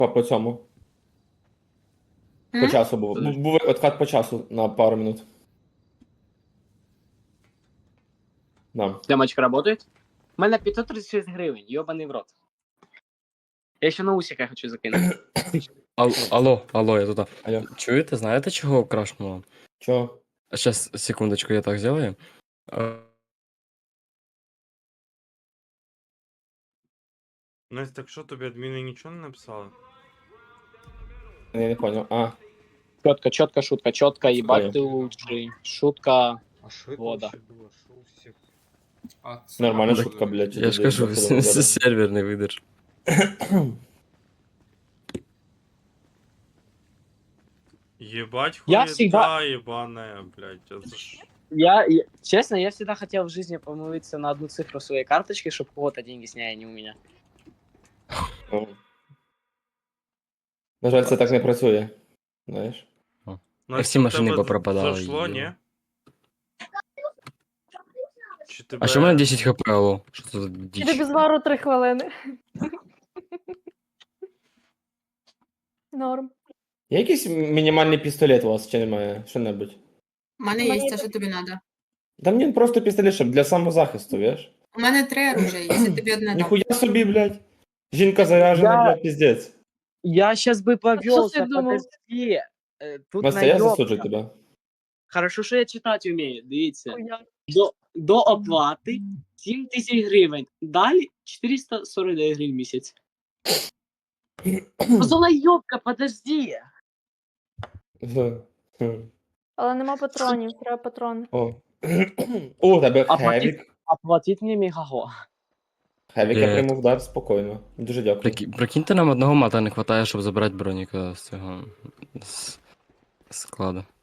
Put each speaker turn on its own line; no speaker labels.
По цьому. По
М?
часу був. Був откат по часу на пару минут. Да.
Демочка работает? У мене 536 гривень, йобаний в рот. Я ще на усика хочу закинути.
Алло, я тут.
Алло.
Чуєте, знаєте, чого крашнуло?
Чого?
Сейчас, секундочку, я так сделаю.
Настя, так що тобі адміни нічого не написали?
Я не понял. А,
Чітка шутка, чітка,
Понял.
їбать ти лучший. Шутка.
А що це
Вода.
вообще було? Що у всіх?
нормальна
Так,
шутка, блядь.
Я ж кажу, сервер не видержав.
Єбать
Я
хуєта,
всегда-
єбане, блядь. А за що?
Честно, я всегда хотел в жизни помолиться на одну цифру своей карточки, чтобы у кого-то деньги сняли, а не у меня.
Ну. На жаль, це так не працює. Знаєш?
Настя,
всі
в
машини
тебе
попропадали,
Зайшло,
їбать.
ні? Чи тебе...
А що в мене 10 хп, алло? Що це за
Іди
діч?
без вару 3 хвилини. Норм.
Є якийсь мінімальний пістолет у вас, чи немає? Що-небудь?
У мене
Мені
є те, що тобі треба.
Та мені просто пістолет, щоб для самозахисту, віж?
У мене 3 оружия, якщо тобі одне дам.
Ніхуя собі, блядь. Жінка заряжена,
Я-
блядь, піздець.
Я сейчас бы
что
повелся,
ты думал?
подожди. Тут
Настя, я
наёбка.
засуджу тебе.
Хорошо, що я читати вмію, дивіться.
Хуя.
До оплати 7 тисяч гривень. Далі 449 гривень в місяць. Золайобка, подожди.
Але нема патронів, треба патрони.
О. О, у тебе
А
хевік.
Оплатіть мені мегаго.
Хевік я
Є.
прийму вдар спокійно. Дуже дякую.
Прикиньте, нам одного мата не хватає, щоб забрати броніка з цього з складу.